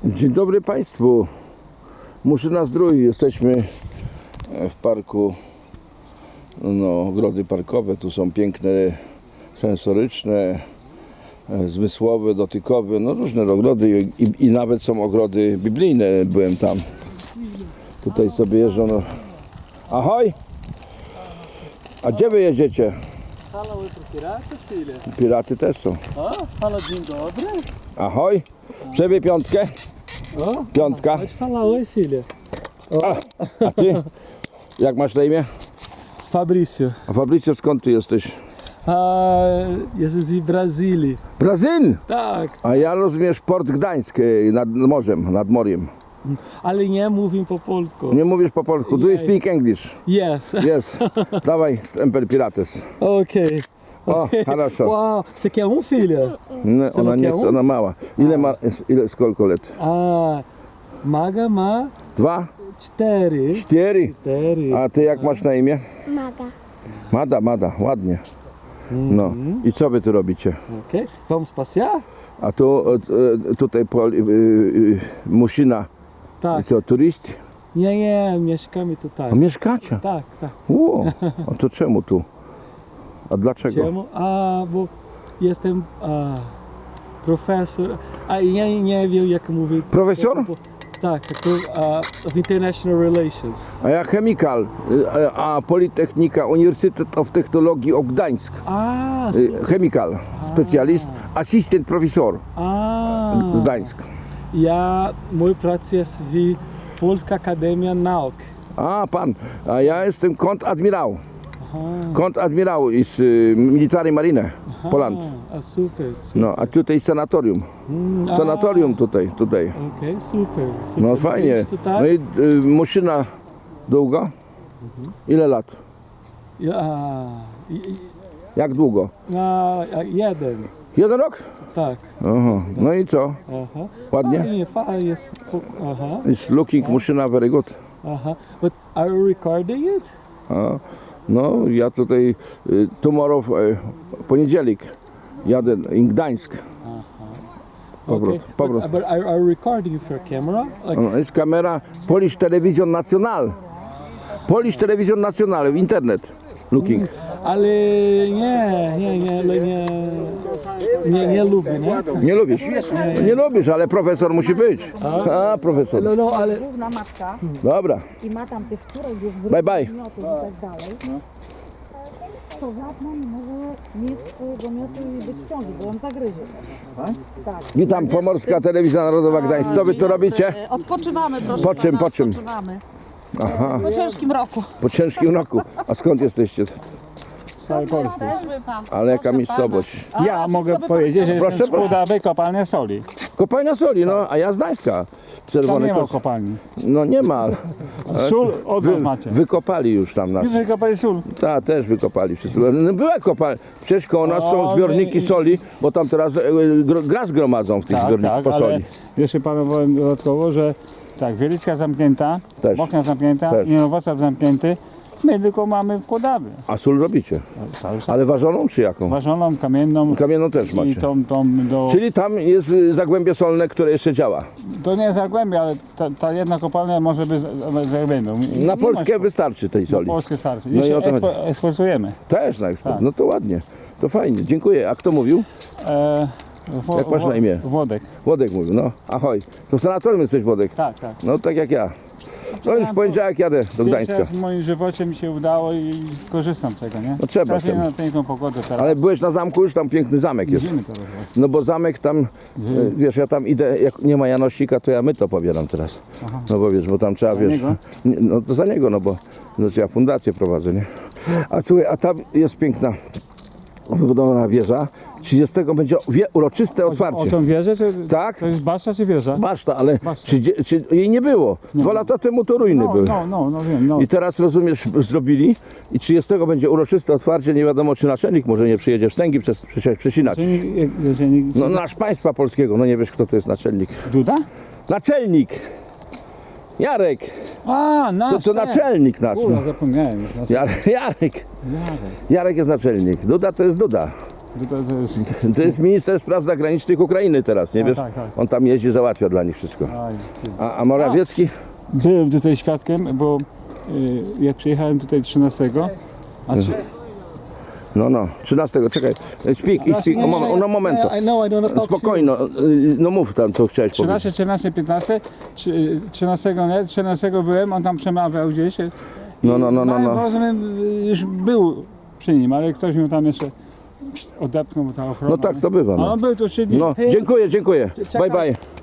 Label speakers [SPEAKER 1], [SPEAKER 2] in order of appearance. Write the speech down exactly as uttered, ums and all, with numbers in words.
[SPEAKER 1] Dzień dobry Państwu. Muszyna Zdrój. Jesteśmy w parku, no, ogrody parkowe. Tu są piękne, sensoryczne, zmysłowe, dotykowe, no różne ogrody i, i nawet są ogrody biblijne. Byłem tam. Tutaj sobie jeżdżą. No. Ahoj! A gdzie wy jedziecie?
[SPEAKER 2] Fala oi pro pirata, filha.
[SPEAKER 1] Piraty też są.
[SPEAKER 2] O, fala dzień dobry.
[SPEAKER 1] Ahoj! Przebij piątkę.
[SPEAKER 2] O,
[SPEAKER 1] Piątka.
[SPEAKER 2] pode falar oi, filha.
[SPEAKER 1] A, a ty? Jak masz na imię?
[SPEAKER 2] Fabrício.
[SPEAKER 1] A Fabrycio, skąd ty jesteś?
[SPEAKER 2] A, jestem z Brazylii.
[SPEAKER 1] Brazyn!
[SPEAKER 2] Tak,
[SPEAKER 1] A ja rozumiesz Port Gdańsk e, nad morzem, nad moriem.
[SPEAKER 2] ale nie mówię po polsku.
[SPEAKER 1] Nie mówisz po polsku. Do you speak English?
[SPEAKER 2] Yes.
[SPEAKER 1] Yes. Dawaj, stempel Pirates.
[SPEAKER 2] Ok.
[SPEAKER 1] O, хорошо.
[SPEAKER 2] Uau, você quer um, filha?
[SPEAKER 1] No,
[SPEAKER 2] Co,
[SPEAKER 1] ona nie
[SPEAKER 2] Nokia?
[SPEAKER 1] chce, ona mała. Ile ma, ile, skolko lat?
[SPEAKER 2] A, Maga ma
[SPEAKER 1] Dwa?
[SPEAKER 2] cztery.
[SPEAKER 1] Cztery?
[SPEAKER 2] Cztery.
[SPEAKER 1] A ty jak masz na imię?
[SPEAKER 3] Maga.
[SPEAKER 1] Mada, Mada, ładnie. No. I co wy tu robicie?
[SPEAKER 2] Ok, vamos passear?
[SPEAKER 1] A tu, e, e, tutaj po, e, e, Muszyna. I
[SPEAKER 2] Tak.
[SPEAKER 1] co, turyst?
[SPEAKER 2] Nie, nie, mieszkamy tutaj.
[SPEAKER 1] A mieszkacie?
[SPEAKER 2] Tak, tak.
[SPEAKER 1] Ło, a to czemu tu? A dlaczego?
[SPEAKER 2] Czemu? A, bo jestem a, profesor, a ja nie wiem jak mówić.
[SPEAKER 1] Profesor?
[SPEAKER 2] Po- po- Tak, to, a, of International Relations.
[SPEAKER 1] A ja chemikal, y, a Politechnika, Uniwersytet of Technologii of Gdańsk.
[SPEAKER 2] A,
[SPEAKER 1] Y,
[SPEAKER 2] super.
[SPEAKER 1] Chemikal, specjalist, asystent profesor
[SPEAKER 2] A,
[SPEAKER 1] z Gdańsk.
[SPEAKER 2] ja, mój praca jest w Polska Akademia Nauk.
[SPEAKER 1] A pan, a ja jestem kontradmirał.
[SPEAKER 2] Aha.
[SPEAKER 1] Kontradmirał z y, Military Marine, Poland.
[SPEAKER 2] A, a super, super.
[SPEAKER 1] No, a tutaj sanatorium.
[SPEAKER 2] Mm, a,
[SPEAKER 1] Sanatorium tutaj, tutaj.
[SPEAKER 2] Okej, super, super.
[SPEAKER 1] No fajnie.
[SPEAKER 2] Byliście tutaj?
[SPEAKER 1] No i y, Muszyna długo? Ile lat?
[SPEAKER 2] Ja, i- i-
[SPEAKER 1] Jak długo?
[SPEAKER 2] a, a, jeden,
[SPEAKER 1] Jeden rok?
[SPEAKER 2] tak.
[SPEAKER 1] Aha. No i co?
[SPEAKER 2] Aha.
[SPEAKER 1] Ładnie?
[SPEAKER 2] Fajnie, fajnie jest. Aha.
[SPEAKER 1] It's looking Muszyna very good.
[SPEAKER 2] Uh-huh. But are you recording it?
[SPEAKER 1] A, no, ja tutaj y, tomorrow, e, poniedziałek jadę in Gdańsk. Powrót,
[SPEAKER 2] Okay.
[SPEAKER 1] powrót.
[SPEAKER 2] But, but are, are you recording with your camera? Like,
[SPEAKER 1] No, jest kamera Polish Television National. Polish Television National, internet. Looking.
[SPEAKER 2] ale nie, nie, nie, ale nie, nie, nie lubię, nie?
[SPEAKER 1] Nie lubisz? Nie lubisz, ale profesor musi być. A, profesor.
[SPEAKER 2] No, no, ale
[SPEAKER 3] Główna matka
[SPEAKER 1] Dobra,
[SPEAKER 3] i ma tam tych córek już
[SPEAKER 1] bye bye.
[SPEAKER 3] wymiotów i tak dalej. To żadna nie może mieć swojego miotu i być w ciąży, bo on zagryzie. Tak?
[SPEAKER 1] Witam, Pomorska Telewizja Narodowa Gdańsk. Co wy tu robicie?
[SPEAKER 4] Odpoczywamy, proszę
[SPEAKER 1] Po czym,
[SPEAKER 4] pana,
[SPEAKER 1] po czym?
[SPEAKER 4] Odpoczywamy.
[SPEAKER 1] Aha,
[SPEAKER 4] Po ciężkim roku.
[SPEAKER 1] po ciężkim roku. A skąd jesteście?
[SPEAKER 4] Jesteśmy pan.
[SPEAKER 1] Ale jaka
[SPEAKER 4] Proszę
[SPEAKER 1] miejscowość?
[SPEAKER 4] pana. A,
[SPEAKER 5] Ja
[SPEAKER 4] wszystko
[SPEAKER 5] mogę
[SPEAKER 4] by
[SPEAKER 5] powiedzieć, że
[SPEAKER 4] pan
[SPEAKER 1] Proszę,
[SPEAKER 5] jestem z
[SPEAKER 1] proszę.
[SPEAKER 5] Pudawy kopalnia soli.
[SPEAKER 1] Kopalnia soli, no, a ja z Gdańska.
[SPEAKER 5] Tam
[SPEAKER 1] Czerwony
[SPEAKER 5] nie ma
[SPEAKER 1] kos.
[SPEAKER 5] kopalni.
[SPEAKER 1] No nie ma.
[SPEAKER 5] Sól od
[SPEAKER 1] Wy,
[SPEAKER 5] nas macie.
[SPEAKER 1] wykopali już tam nas.
[SPEAKER 5] Wy wykopali sól.
[SPEAKER 1] Ta, też wykopali wszyscy. No była kopalnia. Przecież koło nas są
[SPEAKER 5] O,
[SPEAKER 1] zbiorniki
[SPEAKER 5] nie-
[SPEAKER 1] soli, bo tam teraz e, gro- gaz gromadzą w tych
[SPEAKER 5] Tak,
[SPEAKER 1] zbiornikach
[SPEAKER 5] tak,
[SPEAKER 1] po
[SPEAKER 5] ale
[SPEAKER 1] soli.
[SPEAKER 5] jeszcze panu powiem dodatkowo, że tak, Wielicka zamknięta,
[SPEAKER 1] Też.
[SPEAKER 5] Bochnia zamknięta,
[SPEAKER 1] Też.
[SPEAKER 5] Inowrocław zamknięty. My tylko mamy wkładamy.
[SPEAKER 1] A sól robicie.
[SPEAKER 5] Cały czas.
[SPEAKER 1] Ale ważoną czy jaką?
[SPEAKER 5] Ważoną, kamienną
[SPEAKER 1] Kamienną też
[SPEAKER 5] i
[SPEAKER 1] macie.
[SPEAKER 5] tą, tą do...
[SPEAKER 1] Czyli tam jest y, zagłębie solne, które jeszcze działa.
[SPEAKER 5] To nie jest zagłębie, ale ta, ta jedna kopalnia może być zagłębią.
[SPEAKER 1] Na Polskę wystarczy tej
[SPEAKER 5] Na
[SPEAKER 1] soli.
[SPEAKER 5] Polskę starczy.
[SPEAKER 1] No i
[SPEAKER 5] Jeszcze
[SPEAKER 1] o to chodzi.
[SPEAKER 5] ekspo, eksportujemy.
[SPEAKER 1] Też na eksport.
[SPEAKER 5] Tak.
[SPEAKER 1] No to ładnie. To fajnie. Dziękuję. A kto mówił?
[SPEAKER 5] E, wo,
[SPEAKER 1] Jak masz na imię?
[SPEAKER 5] Włodek.
[SPEAKER 1] Włodek mówił. No, ahoj. To w sanatorium jesteś, Włodek.
[SPEAKER 5] Tak, tak.
[SPEAKER 1] No tak jak ja. No już w poniedziałek jadę do
[SPEAKER 5] Pierwszy
[SPEAKER 1] Gdańska.
[SPEAKER 5] raz w moim żywocie mi się udało i korzystam z tego, nie?
[SPEAKER 1] No trzeba
[SPEAKER 5] Trafię
[SPEAKER 1] z tym.
[SPEAKER 5] na piękną pogodę teraz.
[SPEAKER 1] Ale byłeś na zamku, już tam piękny zamek jest.
[SPEAKER 5] Widzimy teraz właśnie.
[SPEAKER 1] No bo zamek tam, e, wiesz, ja tam idę, jak nie ma Janosika, to ja my to pobieram teraz. No bo wiesz, bo tam trzeba,
[SPEAKER 5] Za
[SPEAKER 1] wiesz,
[SPEAKER 5] niego?
[SPEAKER 1] nie, no to za niego, no bo no, ja fundację prowadzę, nie? A słuchaj, a tam jest piękna wybudowana wieża. trzydziestego będzie wie, uroczyste
[SPEAKER 5] O
[SPEAKER 1] otwarcie.
[SPEAKER 5] tą wieżę, czy
[SPEAKER 1] Tak?
[SPEAKER 5] to jest baszta czy wieża?
[SPEAKER 1] Baszta, ale
[SPEAKER 5] Baszta.
[SPEAKER 1] trzydzie- czy, jej nie było. Dwa lata temu to ruiny
[SPEAKER 5] No,
[SPEAKER 1] były.
[SPEAKER 5] no, no, no wiem, no.
[SPEAKER 1] I teraz, rozumiesz, zrobili i trzydziestego będzie uroczyste otwarcie, nie wiadomo czy naczelnik może nie przyjedzie wstęgi przez, przez, przesinać.
[SPEAKER 5] Czyli, jeżeli,
[SPEAKER 1] No nasz państwa polskiego, no nie wiesz kto to jest naczelnik.
[SPEAKER 5] Duda?
[SPEAKER 1] Naczelnik! Jarek!
[SPEAKER 5] A, nasz,
[SPEAKER 1] To, to
[SPEAKER 5] ten.
[SPEAKER 1] naczelnik nasz.
[SPEAKER 5] Kurwa,
[SPEAKER 1] No.
[SPEAKER 5] zapomniałem. Znaczy,
[SPEAKER 1] Jarek, Jarek!
[SPEAKER 5] Jarek.
[SPEAKER 1] Jarek jest naczelnik. Duda to jest Duda.
[SPEAKER 5] To, to, to jest...
[SPEAKER 1] To jest minister spraw zagranicznych Ukrainy teraz, nie
[SPEAKER 5] A,
[SPEAKER 1] wiesz?
[SPEAKER 5] tak, tak.
[SPEAKER 1] On tam jeździ, załatwia dla nich wszystko.
[SPEAKER 5] Aj, ty.
[SPEAKER 1] A, a Morawiecki?
[SPEAKER 5] Byłem tutaj świadkiem, bo y, jak przyjechałem tutaj trzynastego, a czy,
[SPEAKER 1] No, no, trzynastego, czekaj. Speak, i speak, o, moment, no momento.
[SPEAKER 2] I know I don't talk to you.
[SPEAKER 1] Spokojno, y, no mów tam, co chciałeś powiedzieć.
[SPEAKER 5] trzynaście, czternaście, piętnaście, trzy- trzynastego nie, trzynastego byłem, on tam przemawiał gdzieś.
[SPEAKER 1] No, no, no, no, no.
[SPEAKER 5] No, rozumiem, już był przy nim, ale ktoś mu tam jeszcze odepchnął, bo ta ochrona.
[SPEAKER 1] No tak, to bywa.
[SPEAKER 5] A
[SPEAKER 1] No,
[SPEAKER 5] on był tu trzy dni.
[SPEAKER 1] no dziękuję, dziękuję. Bye, bye.